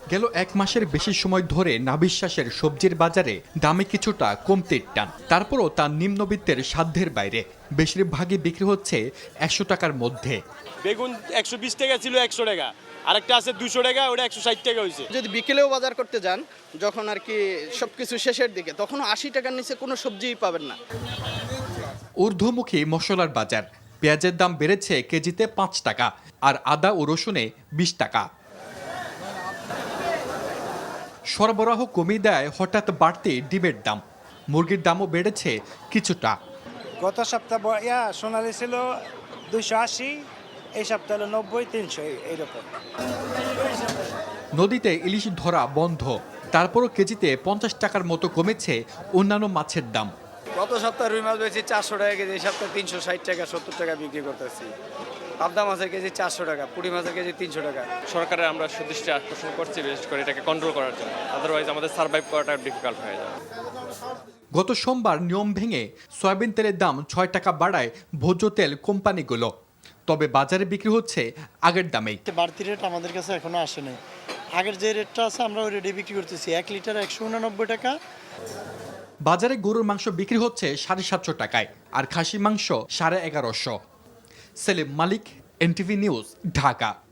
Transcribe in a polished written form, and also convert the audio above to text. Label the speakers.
Speaker 1: গেল এক মাসের বেশি সময় ধরে নাভিশ্বাসের সবজির বাজারে দামে কিছুটা কমতির টান। তারপরও তা নিম্নবিত্তের সাধ্যের বাইরে। বেশিরভাগই বিক্রি হচ্ছে 100 টাকার মধ্যে।
Speaker 2: বেগুন 120 টাকা ছিল, 100 টাকা, আরেকটা আছে 200 টাকা, ওটা 160 টাকা হয়েছে।
Speaker 3: যদি বিকেলেও বাজার করতে যান, যখন আর কি সবকিছু শেষের দিকে, তখন 80 টাকার নিচে কোনো সবজিই পাবেন না।
Speaker 1: ঊর্ধ্বমুখী মশলার বাজার। পেঁয়াজের দাম বেড়েছে কেজিতে 5 টাকা, আর আদা ও রসুনে 20 টাকা। সরবরাহ কমিয়ে দেয় হঠাৎ বাড়তি ডিমের দাম। মুরগির দামও বেড়েছে কিছুটা।
Speaker 4: গত সপ্তাহ সোনালি ছিল 280, এই সপ্তাহ হলো 90, 300 এইরকম।
Speaker 1: নদীতে ইলিশ ধরা বন্ধ, তারপরও কেজিতে 50 টাকার মতো কমেছে অন্যান্য মাছের দাম।
Speaker 5: গত সপ্তাহে রুই মাছ বেশি 400 টাকা কেজি, এই সপ্তাহে 360 টাকা 70 টাকা বিক্রি করতেছি। পাবদা মাছের কেজি 400 টাকা, পুঁটি মাছের কেজি 300 টাকা।
Speaker 2: সরকারের আমরা সুদৃষ্টি আকর্ষণ করছি বিশেষ করে এটাকে কন্ট্রোল করার জন্য, আদারওয়াইজ আমাদের সার্ভাইভ করাটা ডিফিকাল্ট হয়ে যাবে।
Speaker 1: গত সোমবার নিয়ম ভেঙে সয়াবিন তেলের দাম 6 টাকা বাড়ায় ভোজ্য তেল কোম্পানিগুলো। তবে বাজারে বিক্রি হচ্ছে আগের দামেই।
Speaker 6: বাড়তি রেট আমাদের কাছে এখনো আসে নাই। আগের যে রেটটা আছে আমরা ওই রেটে বিক্রি করতেছি। 1 লিটার 189 টাকা।
Speaker 1: বাজারে গরুর মাংস বিক্রি হচ্ছে 750 টাকায়, আর খাসি মাংস 1150। Selim Malik, NTV news, Dhaka.